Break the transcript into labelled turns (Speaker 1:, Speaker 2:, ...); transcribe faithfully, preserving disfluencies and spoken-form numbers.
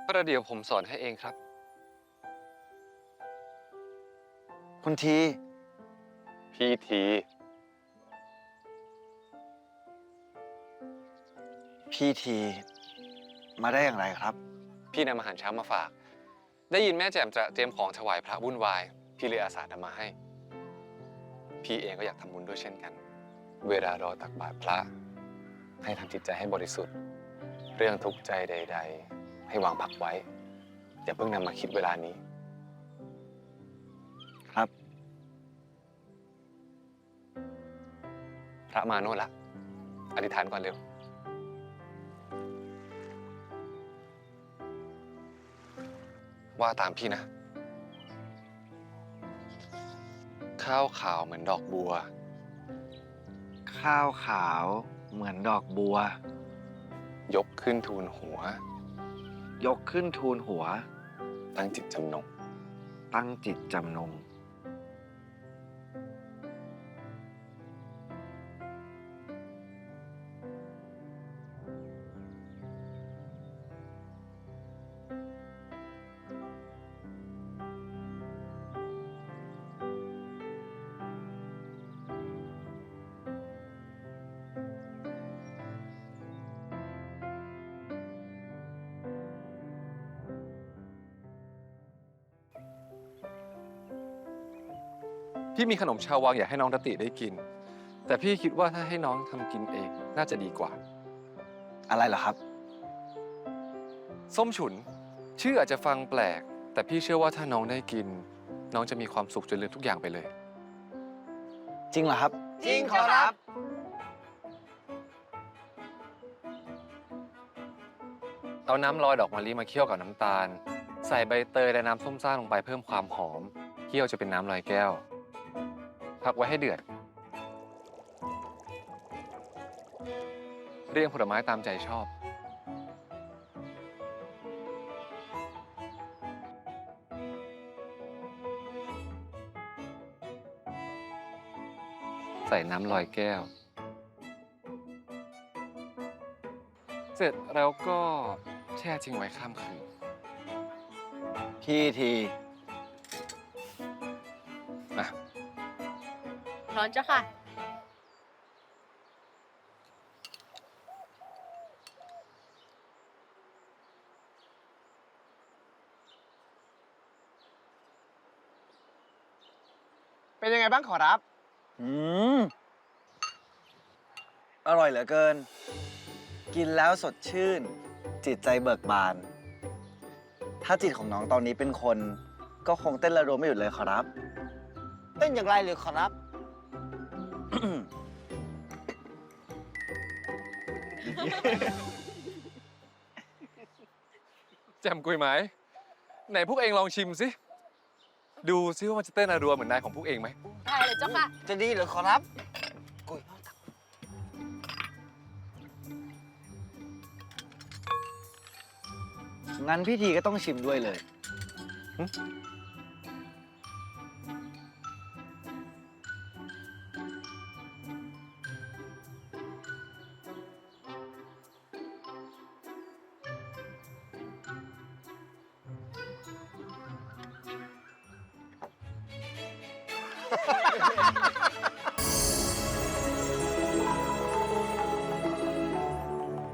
Speaker 1: ประเดี๋ยวผมสอนให้เองครับ
Speaker 2: คุณที
Speaker 1: พี่ที
Speaker 2: พี่ที มาได้อย่างไรครับ
Speaker 1: พี่นำอาหารเช้ามาฝาก ได้ยินแม่แจ่มจะเตรียมของถวายพระวุ่นวาย พี่เลยอาสานำมาให้ พี่เองก็อยากทำบุญด้วยเช่นกัน เวลารอตักบาตรพระ ให้ทำจิตใจให้บริสุทธิ์ เรื่องทุกข์ใจใด ๆ ให้วางพักไว้ อย่าเพิ่งนำมาคิดเวลานี้
Speaker 2: ครับ
Speaker 1: พระมาโน่นละอธิษฐานก่อนเร็ว ว่าตามพี่นะ ข้าวขาวเหมือนดอกบัว
Speaker 2: ข้าวขาวเหมือนดอกบัว
Speaker 1: ยกขึ้นทูลหัว
Speaker 2: ยกขึ้นทูลหัว
Speaker 1: ตั้งจิตจำนง
Speaker 2: ตั้งจิตจำนง
Speaker 1: พี่มีขนมชาววังอยากให้น้องรติได้กิน แต่พี่คิดว่าถ้าให้น้องทำกินเองน่าจะดีกว่า
Speaker 2: อะไรเหรอครับ
Speaker 1: ส้มฉุน ชื่ออาจจะฟังแปลก แต่พี่เชื่อว่าถ้าน้องได้กิน น้องจะมีความสุขจนลืมทุกอย่างไปเลย
Speaker 2: จริงเหรอครับ
Speaker 3: จริงขอรับ
Speaker 1: เอาน้ำลอยดอกมะลิมาเคี่ยวกับน้ำตาล ใส่ใบเตยและน้ำส้มซ่าลงไปเพิ่มความหอม เคี่ยวจะเป็นน้ำลอยแก้ว พักไว้ให้เดือด เรียงผลไม้ตามใจชอบ ใส่น้ำลอยแก้ว เสร็จแล้วก็แช่ทิ้งไว้ข้ามคืน
Speaker 2: พี่ที
Speaker 1: นะ
Speaker 3: ร้อนจ้ะค่ะ
Speaker 4: เป็นยังไงบ้างขอรับ
Speaker 2: อืม อร่อยเหลือเกิน กินแล้วสดชื่น จิตใจเบิกบาน ถ้าจิตของน้องตอนนี้เป็นคน ก็คงเต้นระรวมไม่หยุดเลยขอรับ
Speaker 4: เต้นอย่างไรหรือขอรับ
Speaker 1: แจ่มกุยไหม ไหนพวกเองลองชิมสิ ดูซิว่ามันจะเต้นระรัวเหมือนนายของพวกเองไหม
Speaker 3: ได้เลยเจ้าค่ะ
Speaker 4: จะดีหรือขอรับกุย
Speaker 2: งั้นพี่ทีก็ต้องชิมด้วยเลย
Speaker 4: ฮ